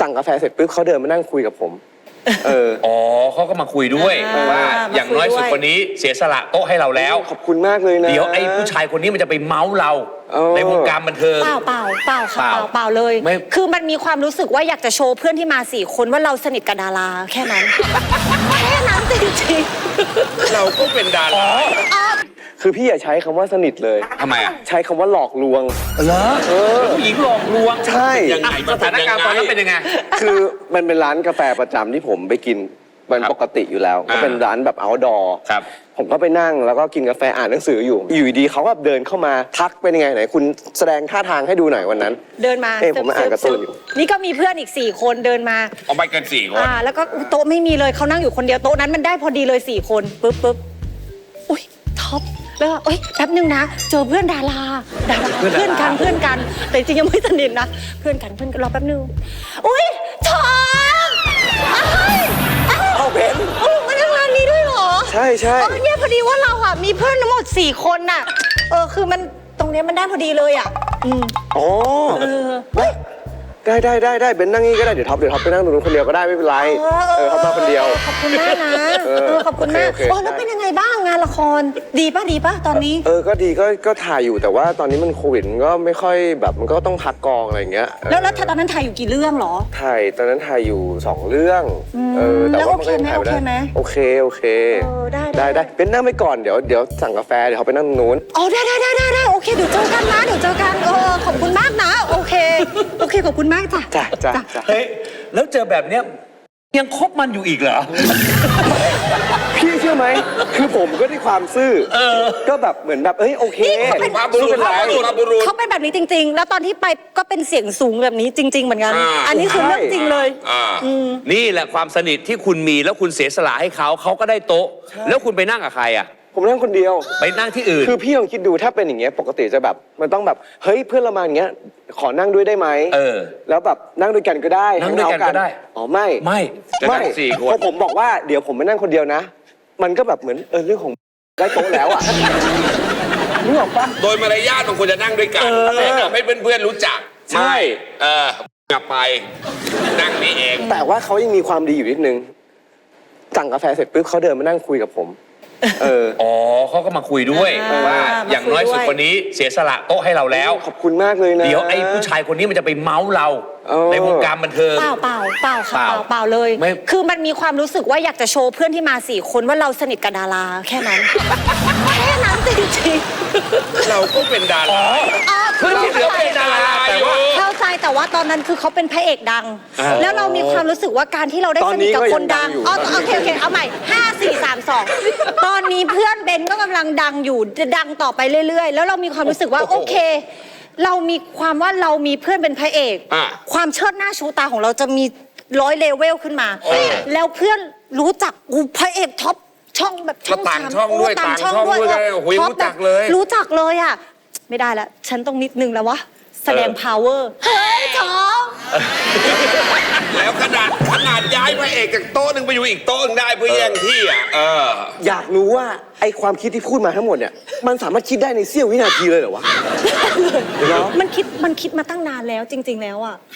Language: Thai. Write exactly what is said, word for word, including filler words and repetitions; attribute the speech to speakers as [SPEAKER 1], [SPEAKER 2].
[SPEAKER 1] สั่งกาแฟเสร็จปุ๊บเขาเดินมานั่งคุยกับผมเออ
[SPEAKER 2] อ๋อเขาก็มาคุยด้วยว่าอย่างน้อยสุดคนนี้เสียสละโต๊ะให้เราแล้ว
[SPEAKER 1] ขอบคุณมากเลยนะ
[SPEAKER 2] เดี๋ยวไอ้ผู้ชายคนนี้มันจะไปเมาส์เราในวงการบันเทิง
[SPEAKER 3] เปล่าเปล่าเปล่าค่ะเปล่าเปล่าเลยคือมันมีความรู้สึกว่าอยากจะโชว์เพื่อนที่มาสี่คนว่าเราสนิทกับดาราแค่นั้นแค่นั้นจริง
[SPEAKER 2] ๆเราก็เป็นดารา
[SPEAKER 1] คือพี่อย่าใช้คำว่าสนิทเลย
[SPEAKER 2] ทำไมอ่ะ
[SPEAKER 1] ใช้คำว่าหลอกลวง
[SPEAKER 2] เหรอผู้หญิงหลอกลวง
[SPEAKER 1] ใช่
[SPEAKER 2] ยังไงสถานการณ์ตอนนั้นเป็นยังไง
[SPEAKER 1] คือมันเป็นร้านกาแฟประจำที่ผมไปกินเป็นปกติอยู่แล้วก็เป็นร้านแบบ outdoor
[SPEAKER 2] ครับ
[SPEAKER 1] ผมก็ไปนั่งแล้วก็กินกาแฟอ่านหนังสืออยู่อยู่ดีเขาก็เดินเข้ามาทักเป็นยังไงไหนคุณแสดงท่าทางให้ดูหน่อยวันนั้น
[SPEAKER 3] เดินมา
[SPEAKER 1] เอ้ผมมาอ่านการ์ตูนอยู่
[SPEAKER 3] นี่ก็มีเพื่อนอีกสี่คนเดินมา
[SPEAKER 2] เอาไปกันสี่คน
[SPEAKER 3] อ่าแล้วก็โต๊ะไม่มีเลยเขานั่งอยู่คนเดียวโต๊ะนั้นมันได้พอดีเลยสี่คนปุ๊บปุ๊บอุ้ยท็อปแล้วเอ้ยแป๊บนึงนะเจอเพื่อนดาราดาราเพื่อนกันเพื่อนกันแต่จริงยังไม่สนิทนะเพื่อนกันเพื่อนกันรอแป๊บนึงอุ้ยท็อป
[SPEAKER 1] เอาเบน
[SPEAKER 3] โอ้มาทำงานนี้ด้วยเหรอ
[SPEAKER 1] ใช่ใช่
[SPEAKER 3] เออเนี่ยพอดีว่าเราอ่ะมีเพื่อนทั้งหมดสี่คนน่ะเออคือมันตรงเนี้ยมันได้พอดีเลยอ่ะอืม
[SPEAKER 1] อ๋อ
[SPEAKER 3] เออ
[SPEAKER 1] ได้ได้ได้ได้เบนนั่งนี่ก็ได้เดี๋ยวท็อปเดี๋ยวท็อปไปนั่งตรงนู้นคนเดียวก็ได้ไม่เป็นไรเออท็อปมาคนเดียว
[SPEAKER 3] ขอบคุณมากนะเออขอบคุณมากโอ้แล้วเป็นยังไงบ้างงานละครดีป่ะดีป่ะตอนนี้
[SPEAKER 1] เออก็ดีก็ก็ถ่ายอยู่แต่ว่าตอนนี้มันโควิดก็ไม่ค่อยแบบมันก็ต้องพักกองอะไรอย่างเงี้ย
[SPEAKER 3] แล้วแล้วตอนนั้นถ่ายอยู่กี่เรื่องหรอ
[SPEAKER 1] ถ่ายตอนนั้นถ่ายอยู่สองเรื่อง
[SPEAKER 3] เออแต่ว่ามันก็ถ่ายได้
[SPEAKER 1] โอเคโอเคได้ได้ได้เป็นนั่งไปก่อนเดี๋ยวเดี๋ยวสั่งกาแฟเดี๋ยวเขาไปนั่งตรงนู้น
[SPEAKER 3] อ๋อได้ได้ได้ได้โอเคเดี๋ยวเจอกันนะเดี๋ยวเจอกันเออขอบคุณมากนะโอเคโอเคขอบคุณมากจ้ะ
[SPEAKER 1] จ้ะจ้ะ
[SPEAKER 2] เฮ้ยแล้วเจอแบบเนี้ยยังคบมันอยู่อีกเหรอ
[SPEAKER 1] พี่เชื่อไหมคือผมก็ด้วยความซื่อก็แบบเหมือนแบบเอ้ยโอเค
[SPEAKER 3] เขาเป็นบุรุษเขาเป็นแบบนี้จริงๆแล้วตอนที่ไปก็เป็นเสียงสูงแบบนี้จริงๆเหมือนกันอันนี้คือเรื่องจริงเลย
[SPEAKER 2] นี่แหละความสนิทที่คุณมีแล้วคุณเสียสละให้เขาเขาก็ได้โต๊ะแล้วคุณไปนั่งกับใครอ่ะ
[SPEAKER 1] ผมนั่งคนเดียว
[SPEAKER 2] ไปนั่งที่อื่น
[SPEAKER 1] คือพี่ลองคิดดูถ้าเป็นอย่างเงี้ยปกติจะแบบมันต้องแบบเฮ้ยเพื่อนเรามาอย่างเงี้ยขอนั่งด้วยได้ไหม
[SPEAKER 2] เออ
[SPEAKER 1] แล้วแบบนั่งด้วยกันก็ได้
[SPEAKER 2] นั่งด้วยกันก็ได้
[SPEAKER 1] อ๋อไม่
[SPEAKER 2] ไม่
[SPEAKER 1] ไม่พอผมบอกว่าเดี๋ยวผมไปนั่งคนเดียวนะมันก็แบบเหมือนเออเรื่องของได้โต๊ะแล้วอ่ะนึกออกปะ
[SPEAKER 2] โดยมารยาทมันควรจะนั่งด้วยกันทำให้เพื่อนๆรู้จัก
[SPEAKER 1] ใช่
[SPEAKER 2] เออกลับไปนั่งนี่เอง
[SPEAKER 1] แต่ว่าเขายังมีความดีอยู่นิดนึงสั่งกาแฟเสร็จปุ๊บเขาเดินมานั่งคุยกับผม
[SPEAKER 2] เอออ๋อเขาก็มาคุยด้วยว่าอย่างน้อยสุดคนนี้เสียสละโต๊ะให้เราแล้ว
[SPEAKER 1] ขอบคุณมากเลยนะ
[SPEAKER 2] เดี๋ยวไอ้ผู้ชายคนนี้มันจะไปเมาส์เราในวงการบันเทิง
[SPEAKER 3] เปล่าเปล่าเปล่าค่ะเปล่าเปล่าเลยคือมันมีความรู้สึกว่าอยากจะโชว์เพื่อนที่มาสี่คนว่าเราสนิทกับดาราแค่นั้นแค่นั้นจริง
[SPEAKER 2] ๆเราก็เป็นดาราเพื่อนที่เหลือเป็นดาราแต่ว่า
[SPEAKER 3] เข้าใจแต่ว่าตอนนั้นคือเขาเป็นพระเอกดังแล้วเรามีความรู้สึกว่าการที่เราได้สนิทกับคนดังอ๋อโอเคโอเคเอาใหม่ห้าสี่สามสองตอนนี้เพื่อนเบนก็กำลังดังอยู่จะดังต่อไปเรื่อยๆแล้วเรามีความรู้สึกว่าโอเคเรามีความว่าเรามีเพื่อนเป็นพระเอกความเชิดหน้าชูตาของเราจะมีร้อยเลเวลขึ้นมาแล้วเพื่อนรู้จักกูพระเอกท็อปช่องแบบ
[SPEAKER 2] ช่องต่างช่องด้วยต่างช่องด้วยรู้จักเลย
[SPEAKER 3] รู้จักเลยอ่ะไม่ได้แล้วฉันต้องนิดนึงแล้ววะแสดง power เฮ้ยท็อป
[SPEAKER 2] แล้วขนาดขนาดย้ายพระเอกจากโต๊ะหนึ่งไปอยู่อีกโต๊ะนึงได้เพื่อแย่งที่อ่ะเออ
[SPEAKER 1] อยากรู้ว่าไอความคิดที่พูดมาทั้งหมดเนี่ยมันสามารถคิดได้ในเสี้ยววินาทีเลยเหรอวะ
[SPEAKER 3] มันคิดมันคิดมาตั้งนานแล้วจริงๆแล้วอ่ะ